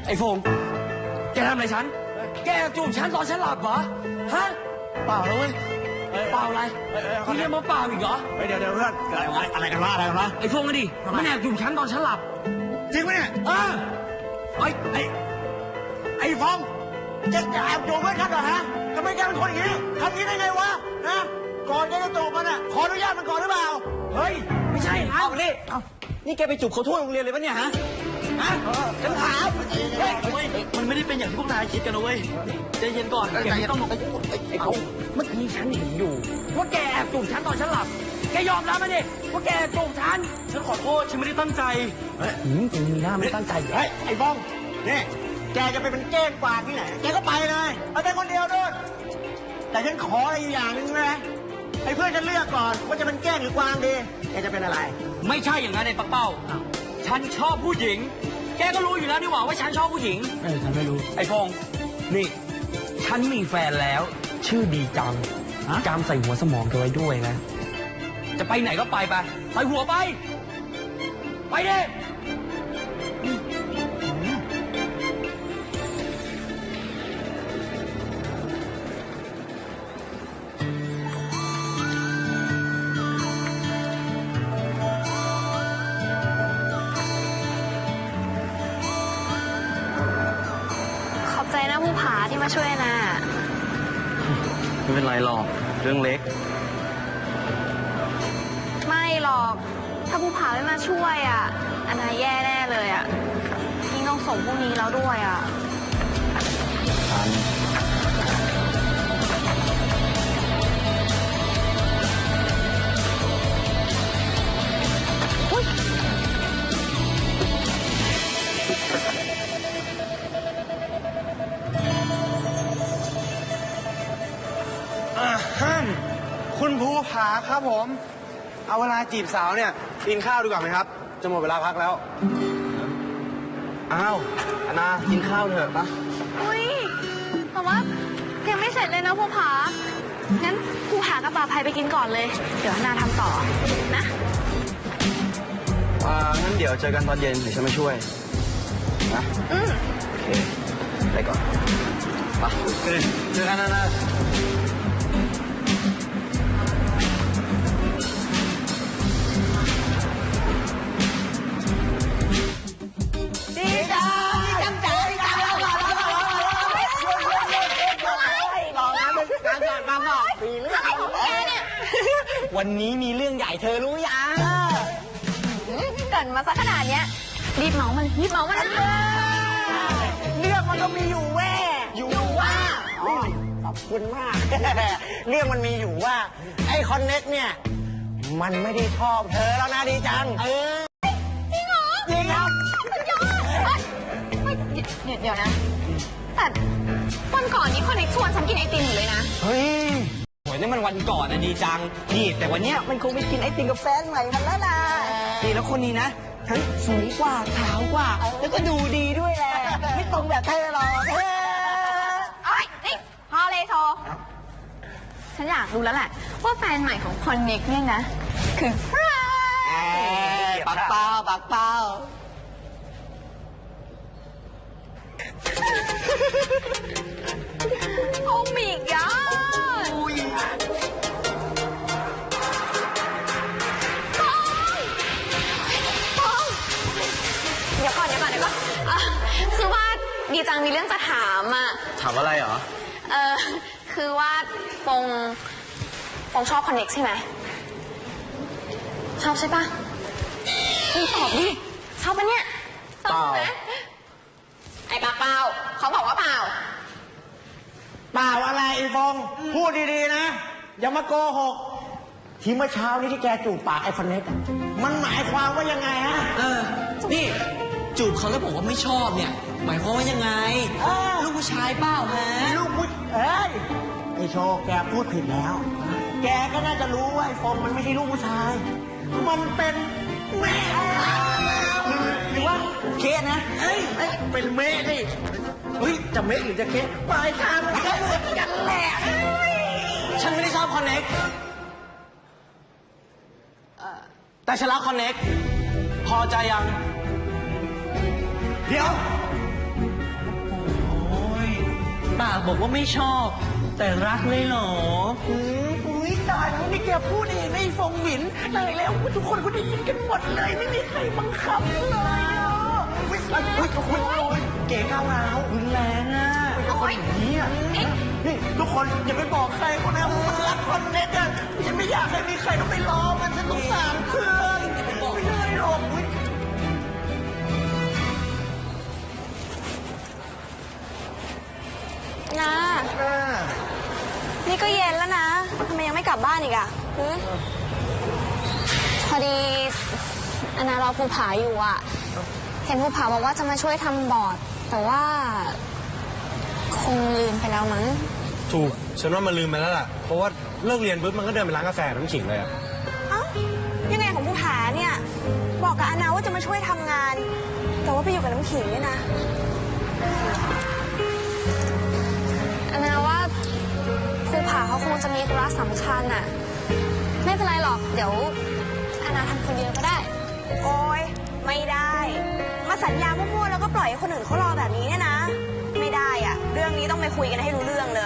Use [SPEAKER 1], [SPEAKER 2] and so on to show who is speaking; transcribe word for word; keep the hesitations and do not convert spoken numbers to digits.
[SPEAKER 1] ไอ้ฟงแกทำอะไรฉันแกจูบฉันตอนฉันหลับเหรอฮะเปล่าเลยเปล่าอะไรคุณยังมาเปล่าอีกเหรอ
[SPEAKER 2] เดี๋ยวเดี๋ยวเพื่อนอะไรอะไรกันวะอะไรกันวะ
[SPEAKER 1] ไอ้ฟงอะดิมันแอบจูบฉันตอนฉันหลับ
[SPEAKER 2] จริงไหมเนี่ย
[SPEAKER 1] เออไอ้ไอ้
[SPEAKER 2] ไอ้ฟงจะแอบจูบเพื่อนฉันเหรอฮะทำไมแกเป็นคนอย่างนี้ทำอย่างนี้ได้ไงวะนะก่อนแกจะจูบมันอ่ะขออนุญาตมันก่อนหรือเปล่า
[SPEAKER 1] เฮ้ยไม่ใช่นะ
[SPEAKER 2] เอาดินี่แกไปจูบเขาทั่วโรงเรียนเลยวะเนี่ยฮะฮะฉันถาม
[SPEAKER 1] มันไม่ได้เป็นอย่างที่พวกนายคิดกันนะเว้ยใจเย็นก่อนแกต้องไอ้ฟงเมื่อกี้ฉันเห็นอยู่ว่าแกแอบจูบฉันตอนฉันหลับแกยอมรับมาดิว่าแกจูบฉันฉันขอโทษฉันไม่ได้ตั้งใจหืมจริงมีหน้าไม่ตั้งใจ
[SPEAKER 2] เฮ้ยไอ้ฟงนี่แกจะไปเป็นเก้งกวางที่ไหนแกก็ไปเลยเอาไปคนเดียวด้วยแต่ฉันขออะไรอย่างหนึ่งนะให้เพื่อนฉันเลือกก่อนว่าจะเป็นแก้งหรือกวางดีแกจะเป็นอะไร
[SPEAKER 1] ไม่ใช่อย่างนั้นไอ้ปักเป้าฉันชอบผู้หญิงแกก็รู้อยู่แล้วนี่หว่าว่าฉันชอบผู้หญิง
[SPEAKER 2] เออฉันไม่รู้
[SPEAKER 1] ไอ้พงนี่ฉันมีแฟนแล้วชื่อดีจังจำใส่หัวสมองกันไว้ด้วยนะจะไปไหนก็ไปไปใส่หัวไปไปดิ
[SPEAKER 3] ผู้ผาที่มาช่วยนะ
[SPEAKER 1] ไม่เป็นไรหรอกเรื่องเล็ก
[SPEAKER 3] ไม่หรอกถ้าผู้ผาไม่มาช่วยอ่ะอันนาแย่แน่เลยอ่ะยิ่งต้องส่งพวกนี้แล้วด้วยอ่ะ
[SPEAKER 2] คุณภูผาครับผมเอาเวลาจีบสาวเนี่ยกินข้าวดีกว่าไหมครับจะหมดเวลาพักแล้วอ้าวอนากินข้าวเถอะปะ
[SPEAKER 3] อุ้ยแต่ว่ายังไม่เสร็จเลยนะภูผางั้นภูผากับป่าภัยไปกินก่อนเลยเดี๋ยวอนาทำต่อนะ
[SPEAKER 2] อ่างั้นเดี๋ยวเจอกันตอนเย็นเดี๋ยวฉันมาช่วยนะ
[SPEAKER 3] อืม
[SPEAKER 2] โอเคไปก่อนไปเจอกันนะนะ
[SPEAKER 1] วันนี้มีเรื่องใหญ่เธอรู้ยัง
[SPEAKER 3] เกิดมาซะขนาดเนี้ยรีบเมามันรีบเมามัน
[SPEAKER 2] เรื่องมันก็มีอยู่แว่อยู่ว่าขอบคุณมากเรื่องมันมีอยู่ว่าไอ้คอนเน็กเนี่ยมันไม่ได้ชอบเธอแล้วนะดีจังเออ
[SPEAKER 3] จริงเหรอ
[SPEAKER 2] จริงครับ
[SPEAKER 3] ยอดเดี๋ยวนะแต่วันก่อนนี้คอนเน็กชวนฉันกินไอติมอยู่เลยนะ
[SPEAKER 1] เฮ้ยโหยนี่มันวันก่อนนะดีจังนี่แต่วันเนี้ยมันคงไปกินไอติมกับแฟนใหม่มันแล้วนะดีแล้วคนนี้นะทั้งสวยกว่าขาวกว่าแล้วก็ดูดีด้วยแหละไม่ตรงแบบเธอหรอกเธอ
[SPEAKER 3] เอ้ยนี่พอเลยโทฉันอยากรู้แล้วแหละว่าแฟนใหม่ของคอนเน็กเนี่ยนะคือใคร
[SPEAKER 1] ปักเป้าปักเป้า
[SPEAKER 3] โอ้มิกอ่ะเดี๋ยวก่อนเดี๋ยวก่อนเดี๋ยวก่อนคือว่าดีจังมีเรื่องจะถามอ่ะ
[SPEAKER 1] ถามอะไรเหรอ
[SPEAKER 3] เออคือว่าปงปงชอบคอนเน็กใช่ไหมชอบใช่ปะมึงตอบดิชอบปะเนี่ย
[SPEAKER 2] ตอบไหม
[SPEAKER 3] ไอ้ปากเปล่าเขาบอกว่าเปล่า
[SPEAKER 2] เปล่าอะไรไอ้ฟงพูดดีๆนะอย่ามาโกหกที่เมื่อเช้านี้ที่แกจูบปากไอ้คอนเน็กมันหมายความว่ายังไงฮะ
[SPEAKER 1] เออนี่จูบเขาแล้วบอกว่าไม่ชอบเนี่ยหมายความว่ายังไงลูกผู้ชายเปล่าฮะ
[SPEAKER 2] ลูกผู้เอ้ยไอ้โชว์แกพูดผิดแล้วแกก็น่าจะรู้ว่าไอ้ฟงมันไม่ใช่ลูกผู้ชายมันเป็นแม่หรือว่าเคสนะเอ้ยเป็นเมะดิเฮ้ยจะเมะหรือจะเคสปลายทางมันก็เหมือนกันแหละ
[SPEAKER 1] ฉันไม่ได้ชอบคอนเน็กแต่ฉันรักคอนเน็กพอใจยัง
[SPEAKER 2] เดี๋ยว
[SPEAKER 1] ปากบอกว่าไม่ชอบ แต่รักเลยเหรอ
[SPEAKER 2] อืมอุ้ยตายแล้วนี่แกพูดเองไอ้ฟงหวินตายแล้วทุกคนก็ได้ยินกันหมดเลยไม่มีใครบังคับเลยอ่ะอุ้ยอุ้ยอุ้ยอุ้ยเก๋ก้าวร้าวรุนแรงอ่ะเป็นคนอย่างนี้อ่ะนี่ทุกคนอย่าไปบอกใครคนนะมันรักคนเน็ตอ่ะฉันไม่อยากให้มีใครต้องไปล้อมันฉันสงสารเพื่อนไม่ได้หรอกอุ้ย
[SPEAKER 3] นะ นี่ก็เย็นแล้วนะทำไมยังไม่กลับบ้านอีกอะหึพอดีอานารอภูผาอยู่อะเห็นภูผาบอกว่าจะมาช่วยทำบอร์ด แต่ว่า คงลืมไปแล้วมั้ง
[SPEAKER 4] ถูกฉันว่ามันลืมไปแล้วล่ะเพราะว่าเลิกเรียนปุ๊บมันก็เดินไปร้านกาแฟน้ำขิงเลยอะ
[SPEAKER 3] เอ้ายังไงของภูผาเนี่ย บอกกับอานาว่าจะมาช่วยทำงาน แต่ว่าไปอยู่กับน้ำขิงเนี่ยนะอานาว่าภูผาเขาคงจะมีธุระสำคัญน่ะ ไม่เป็นไรหรอกเดี๋ยวอานาทำคนเดียวก็ได้ โอ้ยไม่ได้ มาสัญญามั่วๆแล้วก็ปล่อยให้คนอื่นเขารอแบบนี้เนี่ยนะ ไม่ได้อะเรื่องนี้ต้องไปคุยกันให้รู้เรื่องเลย